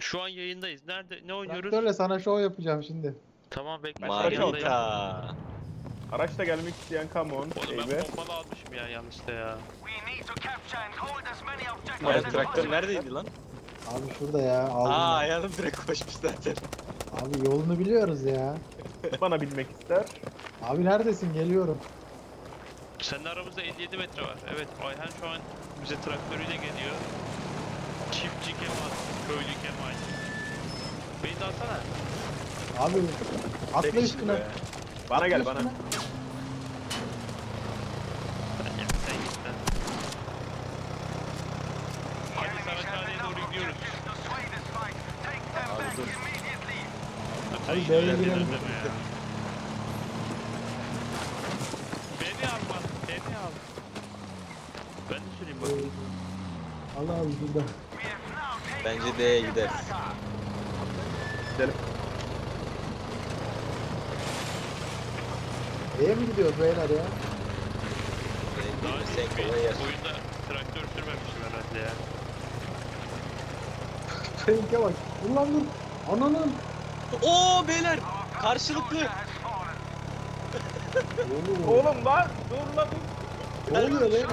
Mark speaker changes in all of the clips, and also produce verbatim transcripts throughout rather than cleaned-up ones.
Speaker 1: Şu an yayındayız. Nerede? Ne oynuyoruz?
Speaker 2: Traktörle sana şov yapacağım şimdi.
Speaker 1: Tamam bekle.
Speaker 3: Marika.
Speaker 4: Araçla gelmek isteyen come on.
Speaker 1: Oğlum ben
Speaker 4: Eyvah.
Speaker 1: pompalı almışım ya yanlışlıkla ya.
Speaker 3: Ayağın traktör neredeydi lan?
Speaker 2: Abi şurada ya aldım.
Speaker 3: Aa
Speaker 2: ben.
Speaker 3: ayağım direkt koşmuş zaten.
Speaker 2: Abi yolunu biliyoruz ya.
Speaker 4: Bana bilmek ister.
Speaker 2: Abi neredesin? Geliyorum.
Speaker 1: Senin aramızda elli yedi metre var. Evet Ayhan şu an bize traktörüyle geliyor. Çiftçi Kemal, köylü Kemal. Beni de alsana.
Speaker 2: Abi atla
Speaker 3: Tek kişi
Speaker 2: üstüne.
Speaker 3: be.
Speaker 4: Bana gel bana.
Speaker 1: Sen gel, sen git lan. Hadi Saraçhane'ye doğru gidiyoruz.
Speaker 3: Abi dur.
Speaker 2: Hadi
Speaker 1: Ay,
Speaker 2: B'ye
Speaker 1: öyle
Speaker 2: girelim.
Speaker 1: deme ya. Beni al lan, beni al. Ben de süreyim bakayım.
Speaker 2: Allah Allah burada.
Speaker 3: Bence D'ye gideriz.
Speaker 4: Gidelim.
Speaker 2: B'ye mi gidiyoruz beyler ya?
Speaker 3: D'ye
Speaker 1: Daha
Speaker 3: gidersen
Speaker 1: önce
Speaker 3: kolay yer.
Speaker 1: oyunda traktör sürmemişim herhalde ya.
Speaker 2: Seninke bak. Dur lan dur. Ananın.
Speaker 3: Oo beyler! Karşılıklı!
Speaker 2: Oğlum.
Speaker 4: Oğlum lan dur lan.
Speaker 2: Ne oluyor beyler?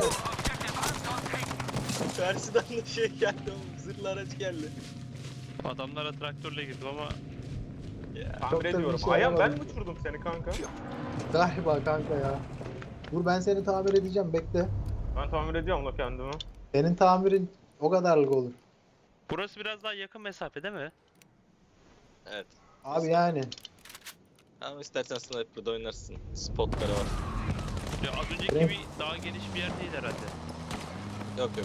Speaker 3: Karşıdan da şey geldi oğlum. Zırhlı araç geldi.
Speaker 1: Adamlara traktörle girdim ama
Speaker 3: Ya.
Speaker 2: Çok
Speaker 4: Tamir
Speaker 2: da bir
Speaker 4: ediyorum.
Speaker 2: şey
Speaker 4: Ayağım ben
Speaker 2: yapamadım.
Speaker 4: mi uçurdum seni kanka?
Speaker 2: Galiba kanka ya. Dur ben seni tamir edeceğim bekle.
Speaker 4: Ben tamir ediyorum la kendimi.
Speaker 2: Senin tamirin o kadarlık olur.
Speaker 1: burası biraz daha yakın mesafe değil mi?
Speaker 3: Evet.
Speaker 2: Abi yani.
Speaker 3: Ama istersen sniper'da oynarsın. Spotları var.
Speaker 1: Ya az önceki
Speaker 2: Evet.
Speaker 1: gibi daha geniş bir yer değil herhalde.
Speaker 3: Yok yok.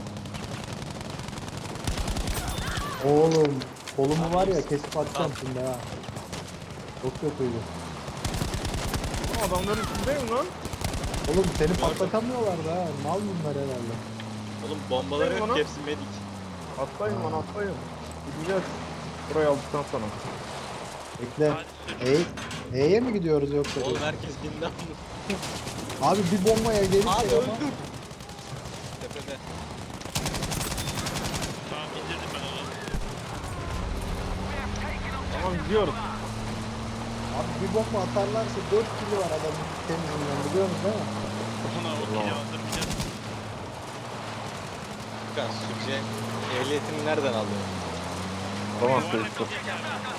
Speaker 2: Oğlum. Kolumu var ya kesip atacağım şimdi ha. Çok kötüydü.
Speaker 4: Aa, adamların içindeyim lan.
Speaker 2: Oğlum seni patlatamıyorlar da ha. Mal bunlar herhalde.
Speaker 3: Oğlum bombaları
Speaker 4: Benim
Speaker 3: yok
Speaker 4: ona-
Speaker 3: ki hepsi medik.
Speaker 4: Atlayın lan atlayın. Gideceğiz. Burayı aldıktan sonra.
Speaker 2: Bekle.
Speaker 1: Hadi sür.
Speaker 2: E, E'ye mi gidiyoruz yoksa?
Speaker 3: Oğlum herkes bindi ama.
Speaker 2: Abi bir bombaya gelirse
Speaker 3: Abi
Speaker 2: ama.
Speaker 3: öldüm. Tepede.
Speaker 1: Tamam indirdim ben onu.
Speaker 4: Tamam gidiyoruz.
Speaker 2: Abi bir bomba atarlarsa dört kilo var adamın temizinden biliyor musun değil mi?
Speaker 1: Ona o kili aldırmayacağız.
Speaker 3: Furkan sürücü ehliyetini nereden aldın?
Speaker 4: Tamam
Speaker 1: Yuvarlak
Speaker 4: sürücü.
Speaker 1: olacak abi.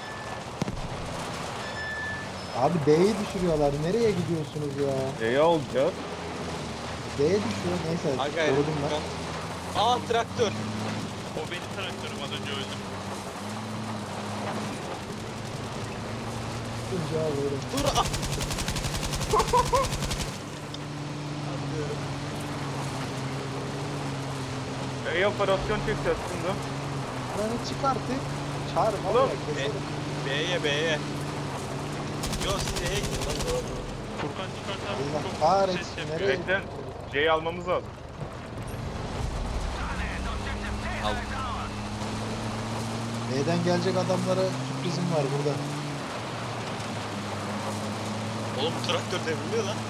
Speaker 2: Abi D'yi düşürüyorlar. Nereye gidiyorsunuz ya?
Speaker 4: Neyi alacağız?
Speaker 2: D'ye düşüyor. Neyse
Speaker 3: Ha gayret
Speaker 2: korudum ben.
Speaker 3: Furkan. Aa traktör.
Speaker 1: O benim traktörüm az önce öldüm.
Speaker 2: Tutunca vururum.
Speaker 3: Dur. Ah.
Speaker 4: Neyi operasyon çekeceğiz şimdi?
Speaker 2: Beni çık artık. Çağır
Speaker 4: Oğlum,
Speaker 2: valla keserim.
Speaker 3: B'ye B'ye. Yo C'ye gidin lan doğru.
Speaker 1: Furkan çıkartan
Speaker 2: Allah
Speaker 1: çok ses
Speaker 2: kahretsin.
Speaker 1: yapıyor.
Speaker 2: Nereye?
Speaker 4: Bekle. C'yi almamız lazım.
Speaker 3: Al.
Speaker 2: D'den gelecek adamlara sürprizim var burada.
Speaker 3: Oğlum traktör devriliyor lan.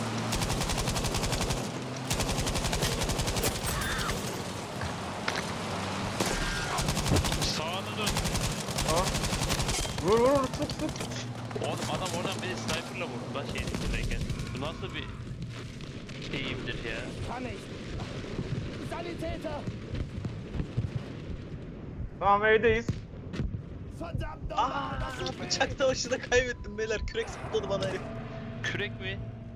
Speaker 1: Sağına dön.
Speaker 4: Ha? Vur vur vur sık sık.
Speaker 1: Oğlum adam oradan beni sniper'la vurdu lan şeyin içindeyken. Bu nasıl bir eğimdir ya?
Speaker 5: Kann ich! Sanitäter!
Speaker 4: Tamam E'deyiz.
Speaker 5: Verdammt
Speaker 3: Aa
Speaker 5: nochmal! das ist
Speaker 3: bıçak savaşında kaybettim beyler. Kürek sapladı bana herif.
Speaker 1: Kürek mi?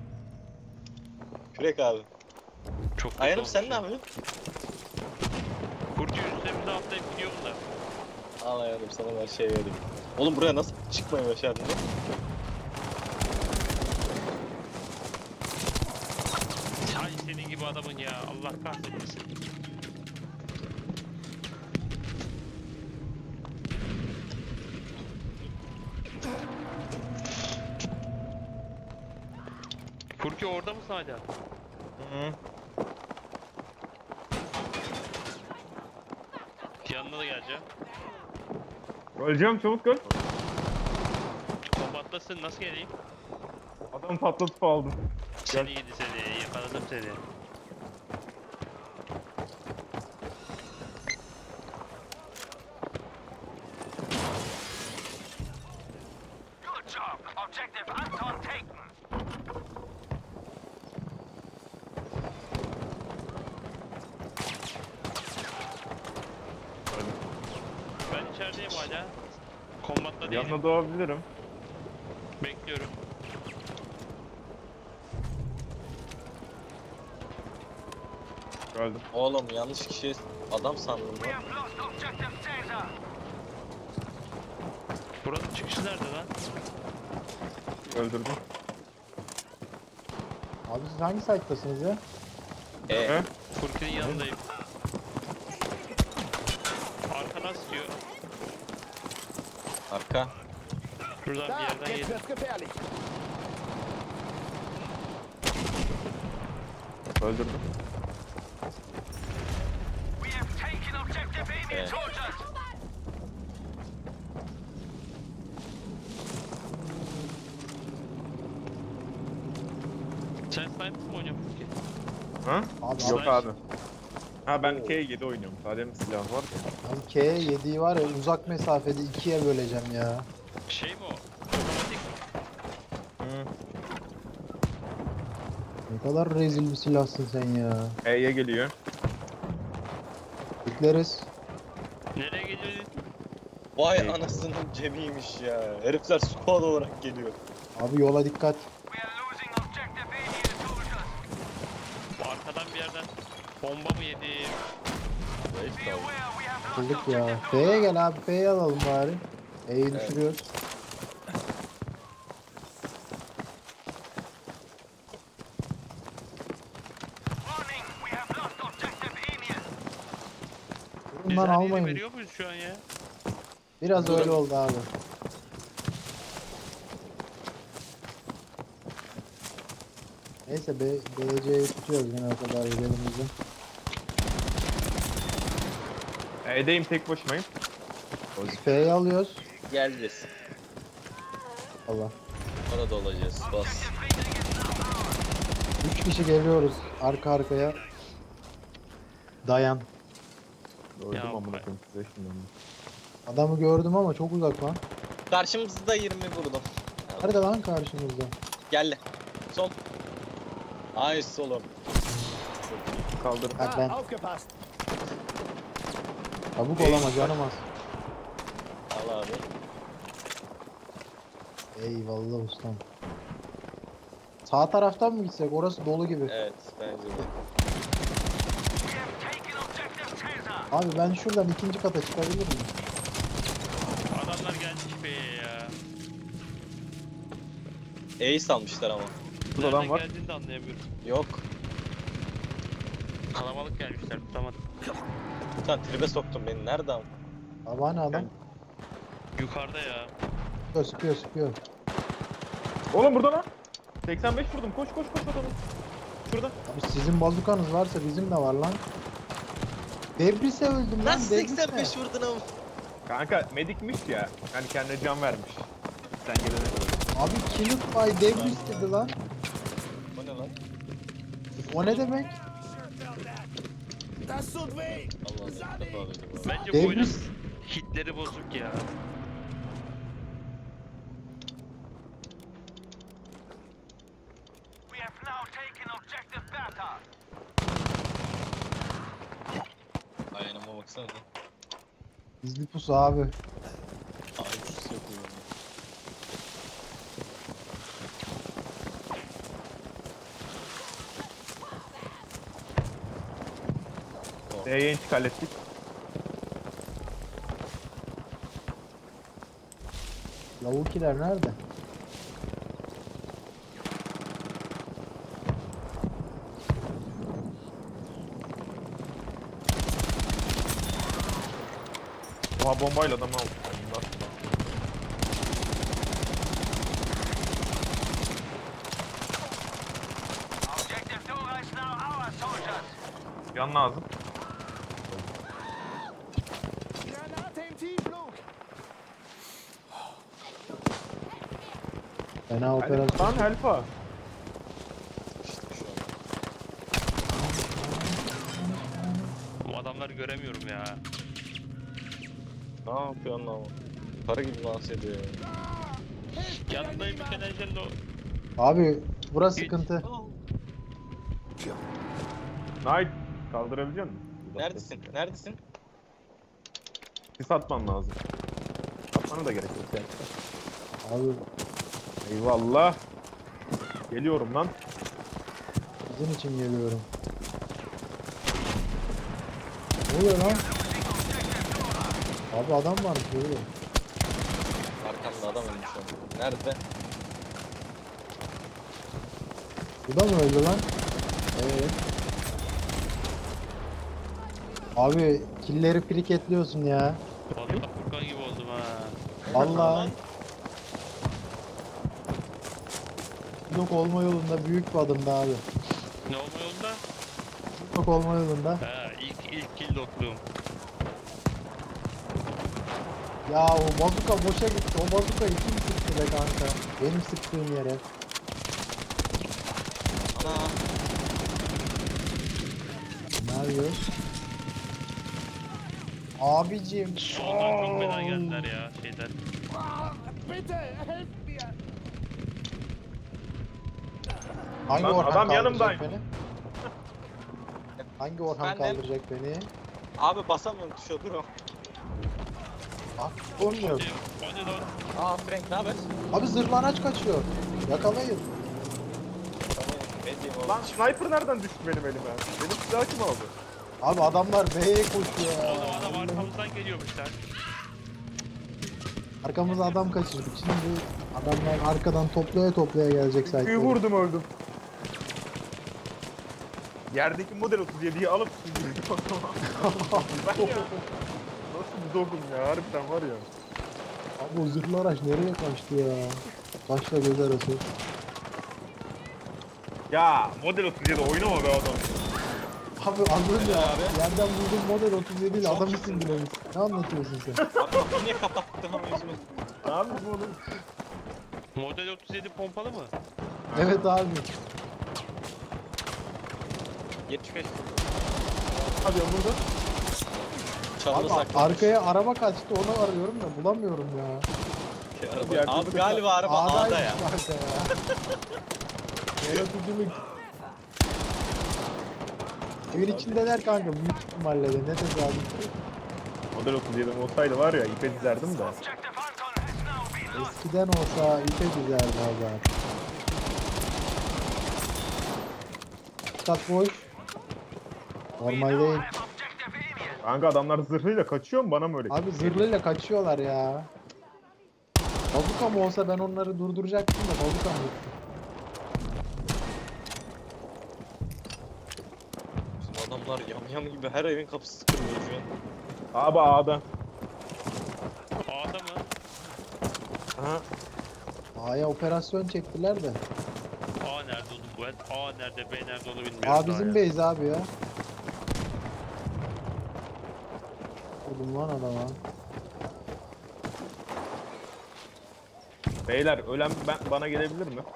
Speaker 3: Kürek abi.
Speaker 1: Çok kötü
Speaker 3: Ayhan'ım
Speaker 1: olmuş
Speaker 3: sen
Speaker 1: ya.
Speaker 3: ne yapıyorsun?
Speaker 1: Kurcu üstümüze atlayıp gidiyor bunlar.
Speaker 3: Al Ayhan'ım sana ben şey vereyim. Oğlum buraya nasıl çıkmayı başardın lan?
Speaker 1: Hay senin gibi adamın ya Allah kahretmesin. Furki orada mısın hala?
Speaker 4: Hı.
Speaker 1: Yanına da geleceğim.
Speaker 4: Öleceğim çabuk gel.
Speaker 1: Kombatlasın nasıl geleyim?
Speaker 4: Adamı patlatıp aldım.
Speaker 1: Seni yedi seni yakaladım seni. içerideyim hala. Kombatta değilim.
Speaker 6: Yanına doğabilirim.
Speaker 1: Bekliyorum.
Speaker 6: Öldüm.
Speaker 3: Oğlum yanlış kişi adam sandım lan.
Speaker 1: Buranın çıkışı nerede lan?
Speaker 6: Öldürdüm.
Speaker 2: Abi siz hangi site'tasınız ya?
Speaker 3: E,
Speaker 6: He?
Speaker 1: Furkan'ın yanındayım. Arkadan sıkıyor.
Speaker 3: arka.
Speaker 1: Buradan bir
Speaker 5: Da,
Speaker 1: yerden
Speaker 5: jetzt
Speaker 1: yedim.
Speaker 5: wird's gefährlich.
Speaker 6: Öldürdüm.
Speaker 3: E.
Speaker 1: Sen sniper mi oynuyorsun Furkan?
Speaker 6: Ha?
Speaker 2: Abi,
Speaker 6: Yok
Speaker 1: Sniper.
Speaker 6: abi. Ha ben K yedi oynuyorum. Sadece mi silah var ya?
Speaker 2: abi K yediği var ya uzak mesafede ikiye böleceğim ya.
Speaker 1: Şey mi o? Otomatik mi?
Speaker 6: Hı.
Speaker 2: Ne kadar rezil bir silahsın sen ya.
Speaker 6: E'ye geliyor.
Speaker 2: Bekleriz.
Speaker 1: Nereye geliyor?
Speaker 3: Vay
Speaker 6: E.
Speaker 3: anasının cemiymiş ya. Herifler squad olarak geliyor.
Speaker 2: Abi yola dikkat.
Speaker 1: Arkadan bir yerden bomba mı yedim?
Speaker 3: Zayıf kaldı.
Speaker 2: Bulduk ya. F'ye gel abi. F'ye alalım bari. E'yi
Speaker 3: Evet.
Speaker 2: düşürüyoruz. Durun
Speaker 1: Biz
Speaker 2: lan
Speaker 1: her yeri
Speaker 2: almayın.
Speaker 1: veriyor muyuz şu an ya?
Speaker 2: Biraz
Speaker 3: Durun.
Speaker 2: öyle oldu abi. Neyse B, B C'yi tutuyoruz yine o kadar elimizde.
Speaker 6: E'deyim, tek başımayım.
Speaker 2: Biz F'yi alıyoruz.
Speaker 3: Geleceğiz.
Speaker 2: Allah.
Speaker 3: Orada olacağız. Bas.
Speaker 2: Üç kişi geliyoruz arka arkaya. Dayan.
Speaker 6: Öldüm
Speaker 1: Ya
Speaker 6: amına
Speaker 1: bak.
Speaker 6: koyayım size şimdi.
Speaker 2: Adamı gördüm ama çok uzak lan.
Speaker 3: Karşımızda yirmi vurdum.
Speaker 2: Nerede lan karşımızda?
Speaker 3: Gel. Son. Nice oğlum.
Speaker 6: Kaldır.
Speaker 2: Bak
Speaker 5: Da,
Speaker 2: ben.
Speaker 5: aufgepasst.
Speaker 2: Çabuk olama canım az.
Speaker 3: Al abi.
Speaker 2: Eyvallah ustam. Sağ taraftan mı gitsek? Orası dolu gibi.
Speaker 3: Evet bence de.
Speaker 2: Abi ben şuradan ikinci kata çıkabilir miyim?
Speaker 1: Adamlar gelmiş be ya.
Speaker 3: E'yi salmışlar ama.
Speaker 6: Burada adam
Speaker 1: Nereden
Speaker 6: var.
Speaker 1: geldiğini de anlayamıyorum.
Speaker 3: Yok.
Speaker 1: Kalabalık gelmişler tutamadım.
Speaker 3: Sen tribe soktun beni. Nerede ama?
Speaker 2: Abi hani adam?
Speaker 1: Yukarıda ya.
Speaker 2: Sıkıyor sıkıyor sıkıyor.
Speaker 6: Oğlum burada lan. seksen beş vurdum. Koş koş koş adamı. Şurada.
Speaker 2: Abi sizin bazukanız varsa bizim de var lan. Debris'e öldüm lan.
Speaker 3: Nasıl
Speaker 2: Debris'e.
Speaker 3: seksen beş vurdun ama?
Speaker 6: Kanka medikmiş ya. Hani kendine can vermiş. Sen gelene kadar.
Speaker 2: Abi Kill by Debris dedi lan.
Speaker 3: O ne lan?
Speaker 2: O ne demek?
Speaker 5: Das tut weh.
Speaker 3: Allah Allah. ilk defa duydum abi.
Speaker 1: Bence bu oyunun
Speaker 2: Debris.
Speaker 1: hitleri bozuk ya.
Speaker 3: Ayağıma baksana.
Speaker 2: Gizli pusu abi.
Speaker 3: Ay sus yapıyor.
Speaker 6: D'ye intik hallettik.
Speaker 2: Lavukiler nerede?
Speaker 6: Oha bombayla adamı aldım. Yan lazım.
Speaker 5: Granate im Tiefflug.
Speaker 2: Fena
Speaker 6: Lan
Speaker 2: operasyon.
Speaker 6: helpa.
Speaker 3: İşte şu an.
Speaker 1: Bu adamları göremiyorum ya.
Speaker 3: Ne yapıyorsun lan? Para gibi dans ediyor ya.
Speaker 1: Yanındayım bir enerjiden de o.
Speaker 2: Abi burası
Speaker 1: Hiç.
Speaker 2: sıkıntı.
Speaker 6: Knight kaldırabilecek misin?
Speaker 3: Neredesin? Neredesin?
Speaker 6: Sis atman lazım. Bana da gerek yok yani.
Speaker 2: Abi
Speaker 6: Eyvallah. Geliyorum lan.
Speaker 2: sizin için geliyorum. Ne oluyor lan? Abi adam var böyle.
Speaker 3: Arkamda adam ölmüş şu an. Nerede?
Speaker 2: Bu da mı öldü lan? Evet. Abi killeri friketliyorsun ya.
Speaker 1: Vallahi Furkan gibi oldum ha.
Speaker 2: Vallahi. Yok olma yolunda büyük bir adımdı abi.
Speaker 1: Ne olma yolunda?
Speaker 2: Yok olma yolunda.
Speaker 1: Ha ilk ilk kill dokluğum.
Speaker 2: Ya o bazuka boşa gitti. O bazukayı kim sıktı be kanka? Benim sıktığım yere.
Speaker 3: Ana.
Speaker 2: Ne yapıyoruz? Abicim.
Speaker 1: Soldan çok fena geldiler ya şeyden.
Speaker 5: Ah, bitte, helft mir!
Speaker 2: Hangi
Speaker 6: Lan
Speaker 2: Orhan
Speaker 6: adam
Speaker 2: kaldıracak
Speaker 6: yanımdayım.
Speaker 2: beni? Hangi Orhan
Speaker 3: Ben de-
Speaker 2: kaldıracak beni?
Speaker 3: Abi basamıyorum tuşa dur o.
Speaker 2: Ah, olmuyor.
Speaker 1: Hadi lan.
Speaker 3: Aa Frank ne haber?
Speaker 2: Abi zırhlı araç kaçıyor. Yakalayın.
Speaker 3: Tamam. Ne diyeyim oğlum?
Speaker 6: Lan sniper nereden düştü benim elime? Benim silahı kim aldı?
Speaker 2: Abi adamlar B'ye koşuyor ya.
Speaker 1: Oğlum adam arkamızdan geliyormuş lan.
Speaker 2: Arkamıza adam kaçırdık. Şimdi adamlar arkadan toplaya toplaya gelecek
Speaker 6: Büyü
Speaker 2: sayfa.
Speaker 6: vurdum öldüm. Yerdeki model otuz yediyi alıp sürdürdüm o zaman. Ben ya. Nasıl bir dogum ya harbiden var ya.
Speaker 2: Abi o zırhlı araç nereye kaçtı ya? Kaçla göz arası.
Speaker 6: Ya model otuz yedi oynama be adam.
Speaker 2: Abi anladın ya.
Speaker 3: abi?
Speaker 2: Yerden buldum model otuz yedi ile
Speaker 3: Çok
Speaker 2: adamı
Speaker 3: iyisin.
Speaker 2: sindiremiz. Ne anlatıyorsun sen?
Speaker 3: Abi kapıyı niye kapattın ama yüzüme?
Speaker 6: Ne yapayım oğlum?
Speaker 1: Model otuz yedi pompalı mı?
Speaker 2: Evet abi.
Speaker 3: yetmiş beş.
Speaker 6: Hadi ya burada.
Speaker 3: Çalıda
Speaker 2: Abi
Speaker 3: saklamış.
Speaker 2: arkaya araba kaçtı onu arıyorum da bulamıyorum ya.
Speaker 3: Araba- Abi galiba araba
Speaker 2: A'daymış
Speaker 3: A'da ya.
Speaker 2: kanka ya. Yaratıcılık. Evin içindeler kanka büyük ihtimalle de ne tesadüf.
Speaker 6: Model otuz yedi olsaydı var ya ipe dizerdim de.
Speaker 2: Eskiden olsa ipe dizerdi abi. Kat boş. Normal değil.
Speaker 6: Kanka adamlar zırhıyla kaçıyor mu bana mı öyle?
Speaker 2: Abi zırhlıyla kaçıyorlar ya. Bazuka mı olsa ben onları durduracaktım da bazuka mı gitti?
Speaker 3: Bizim adamlar yamyam gibi her evin kapısı kırılıyor şu an.
Speaker 6: Abi A'da.
Speaker 1: A'da mı?
Speaker 6: Aha.
Speaker 2: A'ya operasyon çektiler de.
Speaker 1: A nerede oğlum bu el? A nerede, B nerede onu bilmiyorum.
Speaker 2: A
Speaker 1: daha
Speaker 2: bizim
Speaker 1: ya.
Speaker 2: base abi ya. Vurdum lan adama.
Speaker 6: Beyler ölen ben, bana gelebilir mi?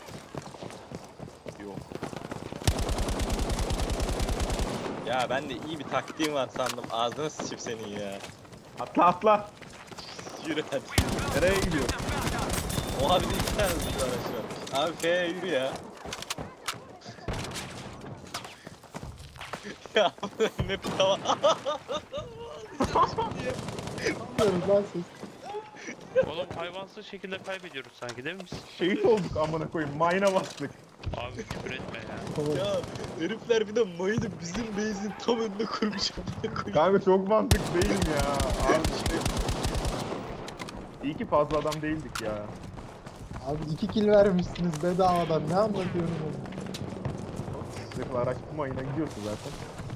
Speaker 3: Yok. Ya ben de iyi bir taktiğim var sandım. Ağzına sıçıp senin ya.
Speaker 6: Atla atla.
Speaker 3: Yürü hadi.
Speaker 6: Nereye gidiyor?
Speaker 3: O abi de iki tane zırhlı araç var. Abi F'ye yürü ya. Ya ne tava.
Speaker 2: Yapıyoruz lan siz.
Speaker 1: Oğlum hayvansız şekilde kaybediyoruz sanki değil mi biz?
Speaker 6: Şehit olduk amına koyayım. Mayına bastık.
Speaker 1: Abi küfür etme ya.
Speaker 3: Ya herifler bir de mayını bizim base'in tam önüne kurmuş.
Speaker 6: Kanka çok mantık değilim ya. Abi işte. İyi ki fazla adam değildik ya.
Speaker 2: Abi iki kill vermişsiniz bedavadan ne anlatıyorsunuz?
Speaker 6: Zırhlı araç bu mayına gidiyorsun zaten.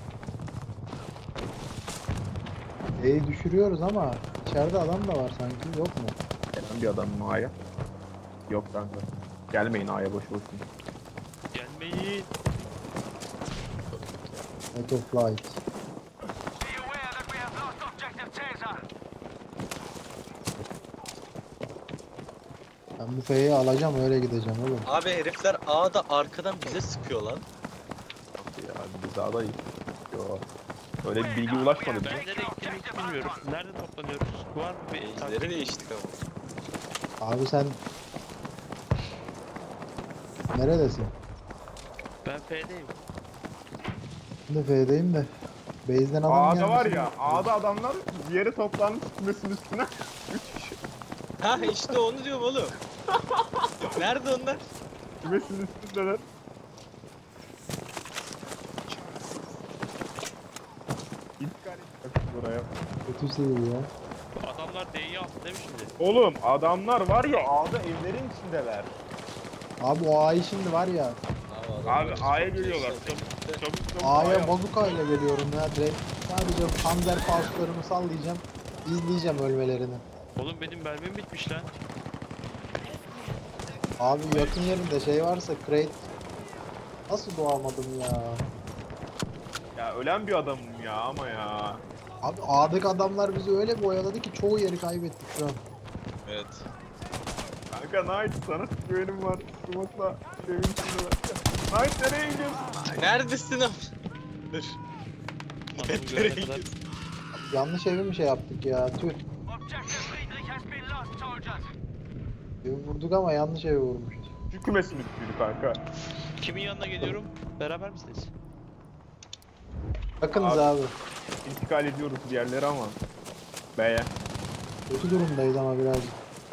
Speaker 2: E'yi düşürüyoruz ama içeride adam da var sanki yok mu?
Speaker 6: Gelen bir adam mı A'ya? Yok kanka. Gelmeyin A'ya boş boşuna.
Speaker 1: Gelmeyin.
Speaker 2: Out of flight. Ben bu F'yi alacağım öyle gideceğim oğlum.
Speaker 3: Abi herifler A'da arkadan bize sıkıyor lan.
Speaker 6: Ya biz A'dayız. Yo. Öyle bir bilgi ulaşmadı bize.
Speaker 1: Ben nereye gittiğimi hiç bilmiyorum. Nerede toplanıyoruz? Var mı bir
Speaker 3: Base'leri
Speaker 1: taktik?
Speaker 3: değiştik ama.
Speaker 2: Abi sen neredesin?
Speaker 1: Ben F'deyim.
Speaker 2: Ben de F'deyim de Base'den adam
Speaker 6: A'da
Speaker 2: gelmesi
Speaker 6: var ya,
Speaker 2: gerekiyor.
Speaker 6: A'da adamlar bir yere toplanmış kümesinin üstüne. üç kişi
Speaker 3: Ha işte onu diyorum oğlum. Nerede onlar?
Speaker 6: kümesinin üstündeler. İntikal etmiş buraya.
Speaker 2: Kötü şey ya.
Speaker 1: Adamlar D'yi aldı değil mi şimdi?
Speaker 6: Oğlum adamlar var ya A'da evlerin içindeler.
Speaker 2: Abi o A'yı şimdi var ya.
Speaker 6: Abi A'ya geliyorlar. Çabuk çabuk çabuk
Speaker 2: A'ya bazuka ile geliyorum ya direkt. Sadece panzer pauslarımı sallayacağım. İzleyeceğim ölmelerini.
Speaker 1: Oğlum benim mermim bitmiş lan.
Speaker 2: Abi yakın yerinde şey varsa crate. Nasıl doğamadım ya?
Speaker 6: Ya ölen bir adamım ya ama ya.
Speaker 2: Abi A'daki adamlar bizi öyle bir oyaladı ki çoğu yeri kaybettik şu an.
Speaker 3: Evet.
Speaker 6: Kanka Knight sana güvenim var. Smoke'la evin içindeler. Knight nereye gidiyorsun?
Speaker 3: Neredesin abi? Dur.
Speaker 1: Adamı
Speaker 3: Nereye
Speaker 1: görene kadar.
Speaker 3: gidiyorsun?
Speaker 2: Yanlış evi mi şey yaptık ya? Tüh. Evi vurduk ama yanlış evi vurmuşuz.
Speaker 6: Şu kümesin üstüydü kanka.
Speaker 1: Kimin yanına geliyorum? Beraber misiniz?
Speaker 2: Bakınız
Speaker 6: Abi.
Speaker 2: abi.
Speaker 6: İntikal ediyoruz bir yerlere ama. B'ye.
Speaker 2: Kötü durumdayız ama birazcık.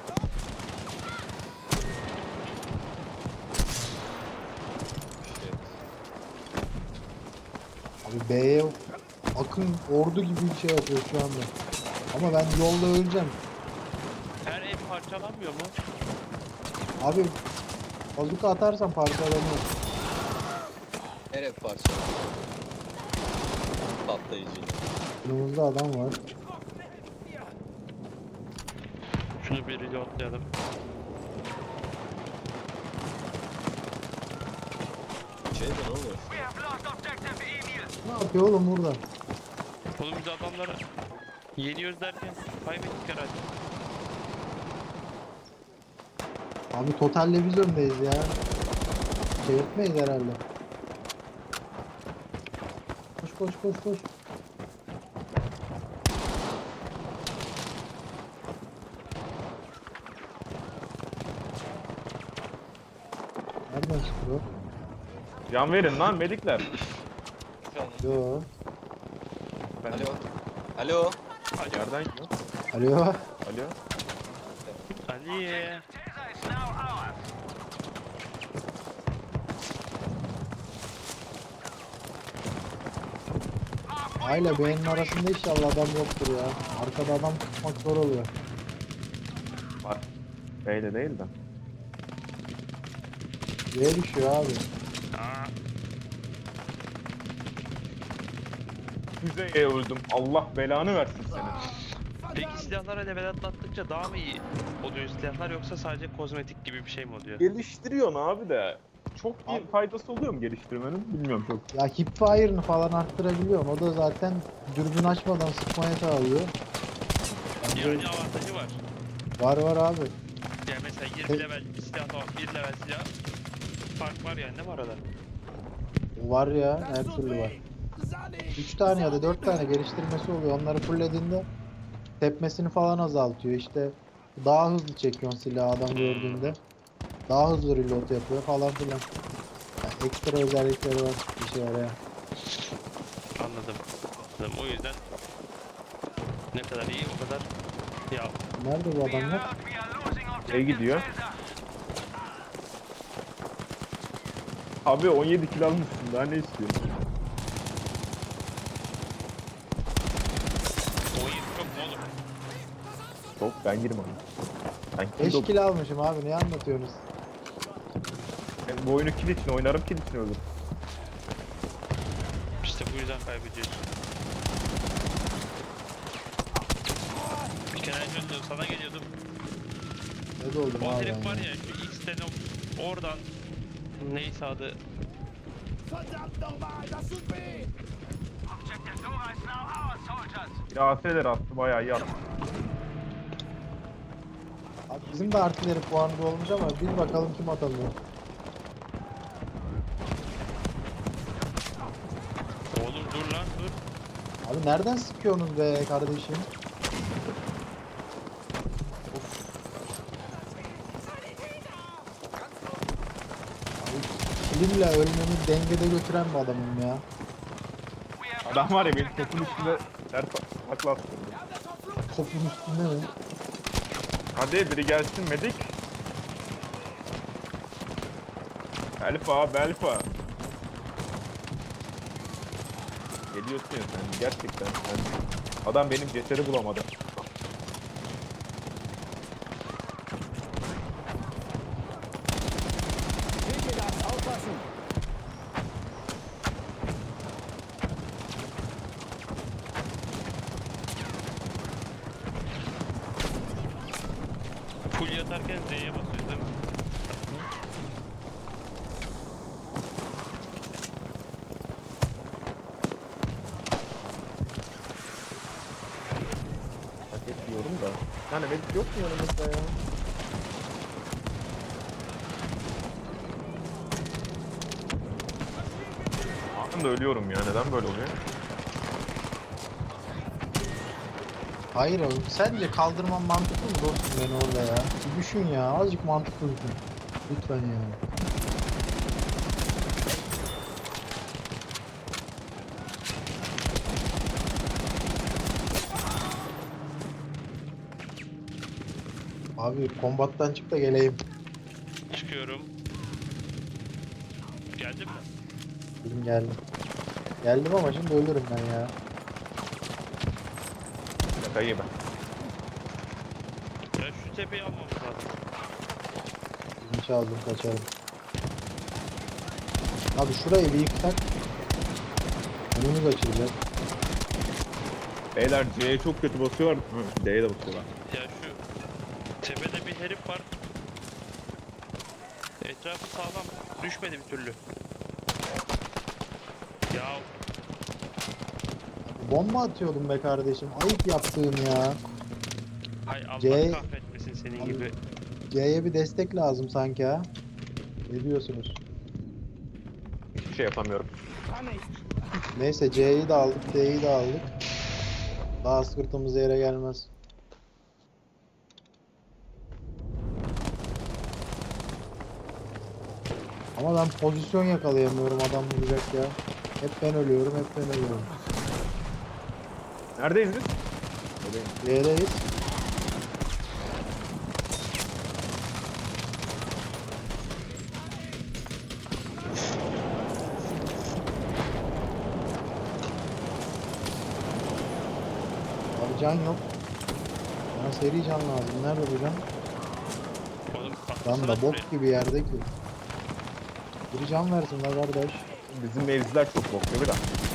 Speaker 2: Abi B'ye akın ordu gibi bir şey yapıyor şu anda. Ama ben yolda öleceğim.
Speaker 1: Her ev parçalanmıyor mu?
Speaker 2: Abi bazuka atarsan parçalanıyor.
Speaker 3: Nereye parça? Patlayıcı.
Speaker 2: Önümüzde adam var.
Speaker 1: Şunu bir reloadlayalım.
Speaker 3: Şeyde ne oluyor?
Speaker 2: Ne yapıyor oğlum burada?
Speaker 1: Oğlum biz adamları yeniyoruz derken kaybettik herhalde.
Speaker 2: Abi totalle biz öndeyiz ya. Çevirtmeyiz herhalde. Koş koş koş koş. Nereden çıkıyor?
Speaker 6: Can verin lan medikler.
Speaker 2: Yo.
Speaker 6: Ben
Speaker 3: Alo. Alo.
Speaker 6: Nereden gidiyor?
Speaker 2: Alo.
Speaker 6: Alo.
Speaker 1: Ali.
Speaker 2: Ayla beğenin arasında inşallah adam yoktur ya. Arkada adam tutmak zor oluyor.
Speaker 6: Var. B'de değil de.
Speaker 2: Yere düşüyor abi.
Speaker 1: Aa,
Speaker 6: Füzeye öldüm. Allah belanı versin seni.
Speaker 1: peki silahlara level atlattıkça daha mı iyi oluyor silahlar yoksa sadece kozmetik gibi bir şey mi oluyor?
Speaker 6: Geliştiriyorsun abi de. Çok iyi
Speaker 2: Abi-
Speaker 6: faydası oluyor mu geliştirmenin? Bilmiyorum çok.
Speaker 2: Ya hipfire'ını falan arttırabiliyorsun. O da zaten dürbün açmadan sıkmaya sağlıyor. Bence
Speaker 1: Yani avantajı var.
Speaker 2: var var abi.
Speaker 1: Yani mesela yirmi level bir silah var, bir level silah. Fark var yani, ne var arada?
Speaker 2: Var ya her türlü var. üç tane ya da dört tane geliştirmesi oluyor. Onları fulllediğinde tepmesini falan azaltıyor. İşte daha hızlı çekiyorsun silahı adam gördüğünde. Daha hızlı reload yapıyor falan filan. Yani ekstra özellikleri var bir şey yarayan.
Speaker 1: Anladım. Anladım. O yüzden ne kadar iyi o kadar ya.
Speaker 2: Nerede bu adamlar?
Speaker 6: E gidiyor. Abi on yedi kilo almışsın daha ne istiyorsun?
Speaker 1: on yedi çok mu olur?
Speaker 6: Çok ben girmem. Ben kill
Speaker 2: beş
Speaker 6: dok-
Speaker 2: kilo almışım abi ne anlatıyorsunuz?
Speaker 6: Ben bu oyunu kill için oynarım kill için ölürüm.
Speaker 1: İşte bu yüzden kaybediyorsun. Bir kere önce sana geliyordum.
Speaker 2: Ne de oldum
Speaker 1: O
Speaker 2: abi
Speaker 1: herif
Speaker 2: ben
Speaker 1: var
Speaker 2: ya.
Speaker 1: ya şu X'ten o- oradan neyse adı
Speaker 5: Verdammt nochmal, das sind B!
Speaker 6: Bir A S'ler attı bayağı iyi attı.
Speaker 2: Abi bizim de artileri puanı olmuş ama bir bakalım kim atamıyor.
Speaker 1: oğlum dur lan dur.
Speaker 2: Abi nereden sıkıyorsunuz be kardeşim? Abi kilimle ölmemi dengede götüren bir adamım ya.
Speaker 6: Adam var ya benim topun üstünde ters takla attı.
Speaker 2: Topun üstünde mi?
Speaker 6: Hadi biri gelsin medik. Belfa, Belfa. Geliyorsun ya sen gerçekten sen. Adam benim cesedi bulamadı.
Speaker 5: Bitte das, aufpassen!
Speaker 1: Full yatarken Z'ye basıyoruz değil mi?
Speaker 6: Paket diyorum da. Yani medik yok mu yanımızda ya? Anında ölüyorum ya. Neden böyle oluyor?
Speaker 2: Hayır oğlum. Sence kaldırman mantıklı mı dostum beni orada ya? Bir düşün ya. Azıcık mantıklı düşün. Lütfen ya. Abi kombattan çık da geleyim.
Speaker 1: Çıkıyorum. Geldin mi?
Speaker 2: Benim geldim. Geldim ama şimdi ölürüm ben ya.
Speaker 6: Şakayı ben.
Speaker 1: Ya şu tepeyi almamız lazım.
Speaker 2: Bilinç aldım kaçarım. Abi şurayı bir yıksak. Önümüz açılacak.
Speaker 6: Beyler C'ye çok kötü basıyorlar. Hı, D'ye de basıyorlar.
Speaker 1: Ya şu tepede bir herif var. Etrafı sağlam. Düşmedi bir türlü. Ya
Speaker 2: Bomba atıyordum be kardeşim. Ayıp yaptığın ya.
Speaker 1: hay Allah
Speaker 2: C-
Speaker 1: kahretmesin senin
Speaker 2: Abi-
Speaker 1: gibi.
Speaker 2: C'ye bir destek lazım sanki ha. Ne diyorsunuz?
Speaker 6: Hiçbir şey yapamıyorum.
Speaker 5: Kann nicht!
Speaker 2: Neyse C'yi de aldık, D'yi de aldık. Daha sırtımız yere gelmez. Ama ben pozisyon yakalayamıyorum adam vuracak ya. Hep ben ölüyorum, hep ben ölüyorum.
Speaker 6: Neredeyiz biz?
Speaker 2: C'deyiz. Abi can yok. Bana seri can lazım. Nerede bu can?
Speaker 1: Oğlum
Speaker 2: Lan
Speaker 1: atlasana
Speaker 2: da
Speaker 1: şuraya.
Speaker 2: bok gibi yerde ki. Bir can versin la kardeş.
Speaker 6: Bizim mevziler çok bok değil mi lan?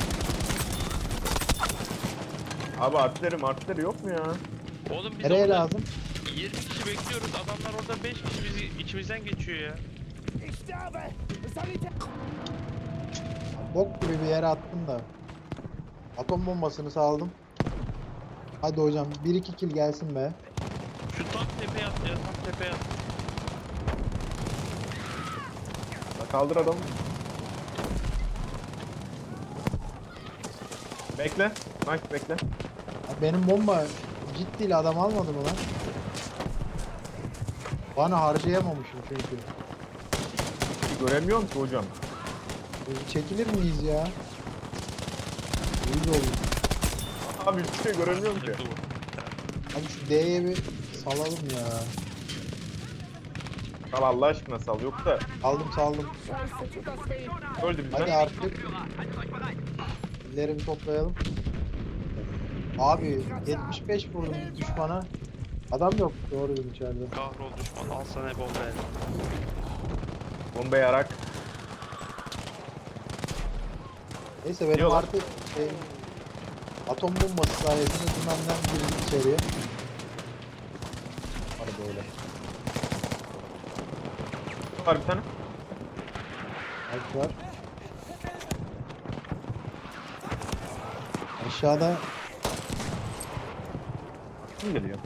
Speaker 6: Abi artleri artleri yok mu ya?
Speaker 1: Oğlum biz
Speaker 2: Nereye
Speaker 1: orada
Speaker 2: lazım?
Speaker 1: yirmi kişi bekliyoruz. Adamlar orada beş kişi bizi içimizden geçiyor ya.
Speaker 5: Ich sterbe! Sanitär!
Speaker 2: Bok gibi bir yere attım da. Atom bombasını saldım. Hadi hocam bir iki kill gelsin be.
Speaker 1: Şu tam tepeye at ya, tam tepeye at.
Speaker 6: La kaldır adamı. Bekle. Nice bekle.
Speaker 2: Ya benim bomba ciddiyle adam almadı mı lan? Bana harcayamamışım çünkü.
Speaker 6: Göremiyorum ki hocam.
Speaker 2: Biz çekilir miyiz ya? İyi oldu.
Speaker 6: Abi hiçbir şey göremiyorum ki.
Speaker 1: Dur.
Speaker 2: Abi şu D'ye bir salalım ya.
Speaker 6: Sal Allah aşkına sal. Yoksa
Speaker 2: Aldım saldım.
Speaker 5: Scheiße, tut das weh!
Speaker 6: öldü
Speaker 2: Hadi
Speaker 6: bizden.
Speaker 2: artık. Ellerimi toplayalım. Abi yetmiş beş vurdum düşmana. Adam yok doğruyum içeride.
Speaker 1: Kahrol düşman, al sana bomba el.
Speaker 6: Bomba yarak.
Speaker 2: Neyse benim
Speaker 6: Diyorlar.
Speaker 2: artık şey, atom bombası sayesinde dümenden girdik içeriye. Hadi böyle.
Speaker 6: Var bir tane.
Speaker 2: Alt var. Aşağıda
Speaker 6: Kim geliyor?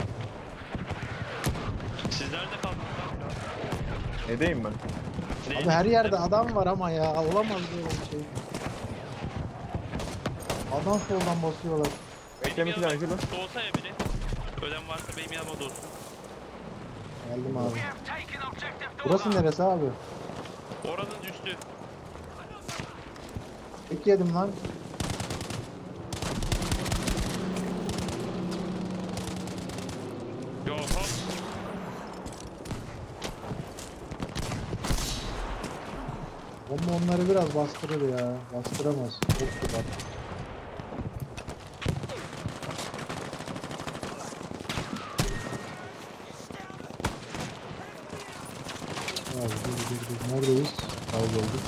Speaker 1: Siz nerede kaldınız lan?
Speaker 6: Nedeyim ben?
Speaker 1: Neyin
Speaker 2: abi her
Speaker 1: içinde?
Speaker 2: yerde adam var ama ya olamaz böyle bir şey. Adam soldan basıyorlar.
Speaker 6: Bekleme
Speaker 1: Benim
Speaker 6: planı
Speaker 1: yanıma
Speaker 6: şurada.
Speaker 1: doğsa ya biri. Ölen varsa benim yanıma doğsun.
Speaker 2: Geldim abi. Burası neresi abi?
Speaker 1: Oranın üstü.
Speaker 2: Tek yedim lan.
Speaker 1: Ya hop.
Speaker 2: Bomba onları biraz bastırır ya. Bastıramaz. Çok güzel. Abi dur dur dur. Neredeyiz? Kaybolduk.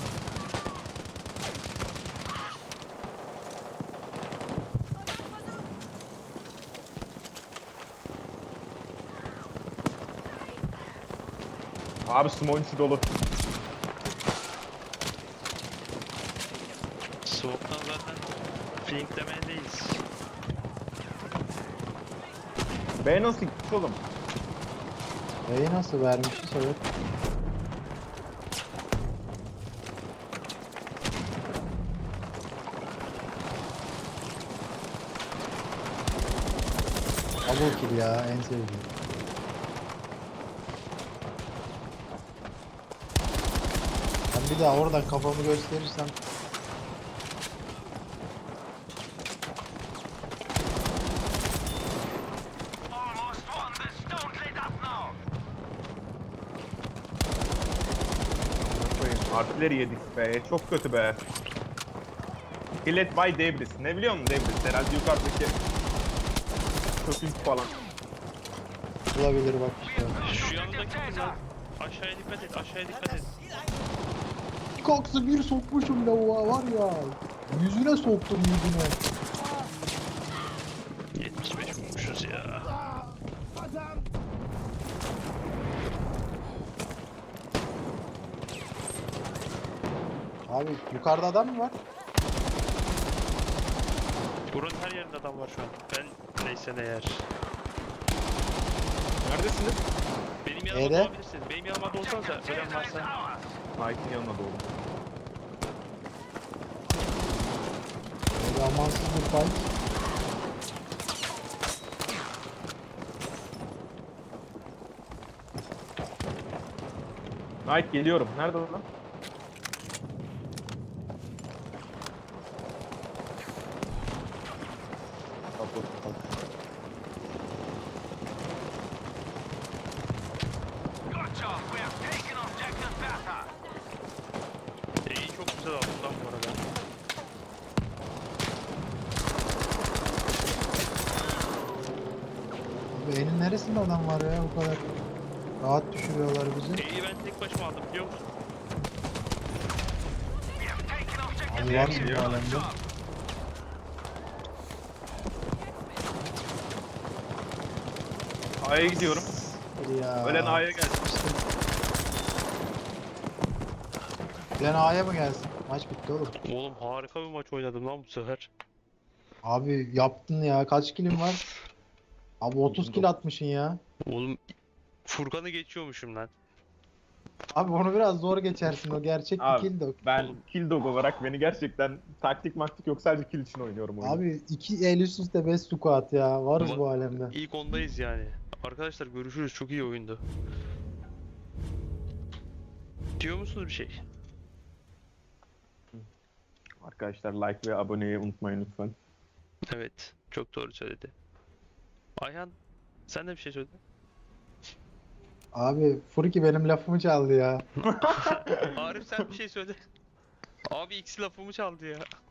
Speaker 6: Abi smoke'un içi dolu.
Speaker 1: Soğuktan zaten flinklemedeyiz.
Speaker 6: B nasıl gitmiş oğlum?
Speaker 2: B'yi nasıl vermişiz evet. Double kill ya en sevdiğim. Ben bir daha oradan kafamı gösterirsem
Speaker 6: Koyayım. Artileri yedik be. Çok kötü be. Killet by Debris. Ne biliyor musun Debris? Herhalde yukarıdaki köpük falan.
Speaker 2: olabilir bak işte.
Speaker 1: Şu yanındaki kızlar. Aşağıya dikkat et, aşağıya dikkat et.
Speaker 2: Koksu bir sokmuşum lavuğa var ya. Yüzüne soktum yüzüne.
Speaker 1: yetmiş beş vurmuşuz ya.
Speaker 5: Verdammt!
Speaker 2: Abi yukarıda adam mı var?
Speaker 1: Buranın her yerinde adam var şu an. Ben neyse ne yer.
Speaker 6: Neredesiniz?
Speaker 1: Benim yanıma
Speaker 2: E'de?
Speaker 1: doğabilirsiniz. Benim yanıma doğsanıza. Ölen varsa.
Speaker 6: Knight'in yanına doğru.
Speaker 2: Böyle amansız bir fight.
Speaker 6: Knight geliyorum. Nerede o lan? Kapı, kapı.
Speaker 1: E'yi çok güzel aldım lan bu arada.
Speaker 2: Abi elin neresinde adam var ya bu kadar rahat düşürüyorlar bizi.
Speaker 1: E'yi ben tek başıma aldım biliyor musun?
Speaker 2: Abi varsın bu alemde.
Speaker 6: A'ya gidiyorum.
Speaker 2: Ya.
Speaker 6: Ölen A'ya gelsin.
Speaker 2: Ölen A'ya mı gelsin? Maç bitti oğlum.
Speaker 1: Oğlum harika bir maç oynadım lan bu sefer.
Speaker 2: Abi yaptın ya. Kaç kilim var? Abi otuz kill atmışsın ya.
Speaker 1: Oğlum Furkan'ı geçiyormuşum lan.
Speaker 2: Abi onu biraz zor geçersin. O gerçek bir
Speaker 6: Abi,
Speaker 2: kill de. o.
Speaker 6: Ben kill dog olarak beni gerçekten taktik maktik yok, sadece kill için oynuyorum oyunu.
Speaker 2: Abi iki el üst üste beş squat ya. Varız
Speaker 1: Bak-
Speaker 2: bu alemde.
Speaker 1: İlk ondayız yani. Arkadaşlar görüşürüz. Çok iyi oyundu. Diyor musunuz bir şey?
Speaker 6: Arkadaşlar like ve aboneyi unutmayın lütfen.
Speaker 1: Evet. Çok doğru söyledi. Ayhan sen de bir şey söyledin.
Speaker 2: Abi Furki benim lafımı çaldı ya.
Speaker 1: Arif sen bir şey söyle. Abi X lafımı çaldı ya.